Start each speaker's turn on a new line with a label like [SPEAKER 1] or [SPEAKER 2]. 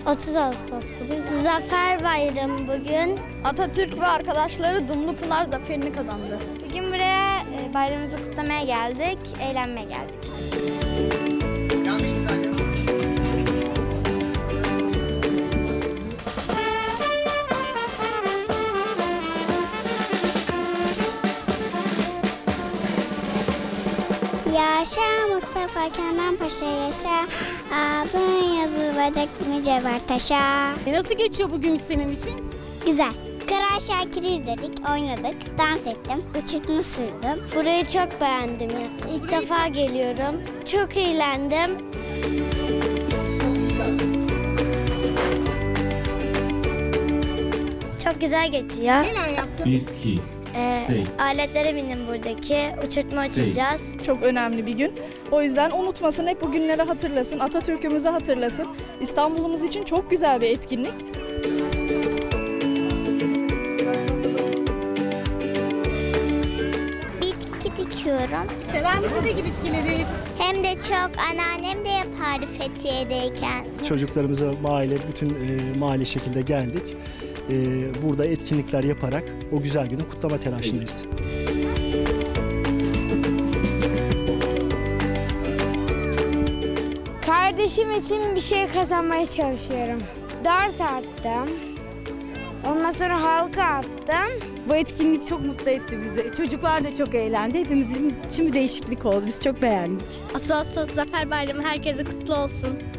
[SPEAKER 1] 30 Ağustos bugün. Zafer Bayramı bugün.
[SPEAKER 2] Atatürk ve arkadaşları Dumlupınar zaferini kazandı.
[SPEAKER 1] Bugün buraya bayramımızı kutlamaya geldik, eğlenmeye geldik. Yaşa Mustafa Kemal Paşa yaşa, adın yazılacak mücevher taşa.
[SPEAKER 3] Nasıl geçiyor bugün senin için?
[SPEAKER 1] Güzel. Kara Şakir'i izledik, oynadık, dans ettim, uçurtma sürdüm. Burayı çok beğendim ya. İlk defa geliyorum. Çok eğlendim. Çok güzel geçiyor.
[SPEAKER 3] Neler yaptın?
[SPEAKER 4] 1, 2,
[SPEAKER 1] Aletlere bindim buradaki. Uçurtma uçuracağız.
[SPEAKER 5] Çok önemli bir gün. O yüzden unutmasın, hep bu günleri hatırlasın, Atatürk'ümüzü hatırlasın. İstanbul'umuz için çok güzel bir etkinlik.
[SPEAKER 1] Bitki dikiyorum.
[SPEAKER 3] Sever misin peki bitkileri?
[SPEAKER 1] Hem de çok, anneannem de yapardı Fethiye'deyken.
[SPEAKER 6] Çocuklarımıza bütün mahalle şekilde geldik. Burada etkinlikler yaparak o güzel günü kutlama telaşındayız.
[SPEAKER 7] Kardeşim için bir şey kazanmaya çalışıyorum. Dart attım. Ondan sonra halka attım.
[SPEAKER 8] Bu etkinlik çok mutlu etti bizi. Çocuklar da çok eğlendi. Hepimizin için bir değişiklik oldu. Biz çok beğendik.
[SPEAKER 2] 30 Ağustos Zafer Bayramı herkese kutlu olsun.